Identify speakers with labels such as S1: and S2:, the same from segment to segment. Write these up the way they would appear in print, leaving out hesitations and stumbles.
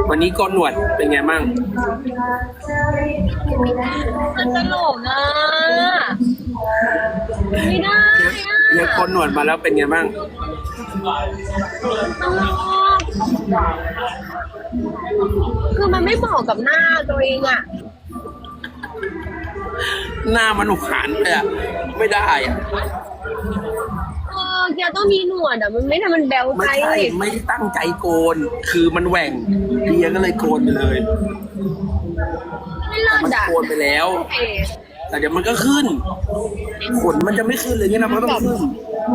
S1: วันนี้โกนหนวดเป็นไงมั่ง
S2: มันตลกอ่ะไม่ได้อ่ะ
S1: เนี่ยโกนหนวดมาแล้วเป็นไงมั่ง
S2: ตลกคือมันไม่เหมาะกับหน้าตัวเองอ่ะ
S1: หน้ามันหวานเลยอะไม่ได้อะ
S2: แกต้องมีหนวดอ่ะมันไม่ทำมันแบวไป
S1: ไม่ใช่ไม่ได้ตั้งใจโกนคือมันแหว่งเดียก็เลยโกนไปเลย
S2: ไม่เลิ
S1: แต่
S2: ศ
S1: มัน
S2: อ่ะ
S1: โกนไปแล้ว แต่เดี๋ยวมันก็ขึ้นขนมันจะไม่ขึ้นเลยเนี่ยนะมันก็ต้องขึ้น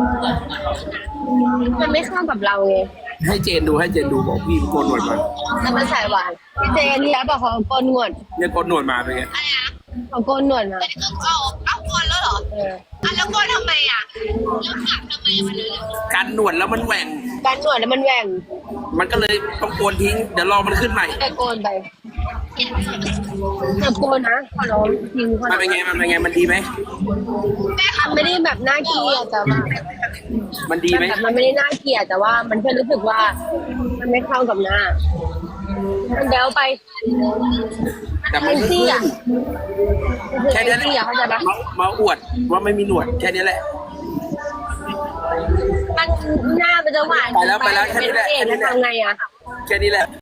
S2: มันไม่เข้ากับเราไง
S1: ให้เจนดูบอกพี่โกนหนวดมา
S2: แต่มันใส่หวานพี่เจนที่แล้วบอกเขาโกนหนวด
S1: เนี่ยโกนหนวดมาเป็นไง
S2: เขาโกนหนวดมา
S3: เอาโกนแล้วเหรอแล้วโกนทำไมอ่ะแล้วขับทำไมมันเลย
S1: กันหนวดแล้วมันแหว่ง
S2: การหนวดแล้วมันแหว่ง
S1: มันก็เลยต้องโกนทิ้งเดี๋ยวรอมันขึ้นใหม่
S2: แต่โกนไปแต่โกนนะขอร้องจริงขอร้
S1: มั
S2: อน ง
S1: เป็นไงมันดีไหม
S2: มันไม่ได้แบบน่าเกลียดแต่ว่า
S1: มันดีไหม
S2: แบบมันไม่ได้น่าเกลียดแต่ว่ามันแค่รู้สึกว่า มันไม่เข้ากับหน้ามันเดวไป
S1: แต่มันก็ขึ้นแค่นี้แหละ
S2: เข้าใจปะ
S1: มาอวดว่าไม่มีหนวดแค่นี้แหละ
S2: มันหน้ามันจะหวาน
S1: ไปแล้วแค่นี้แหละ
S2: ทำไงอ่ะ
S1: แค่นี้แหละ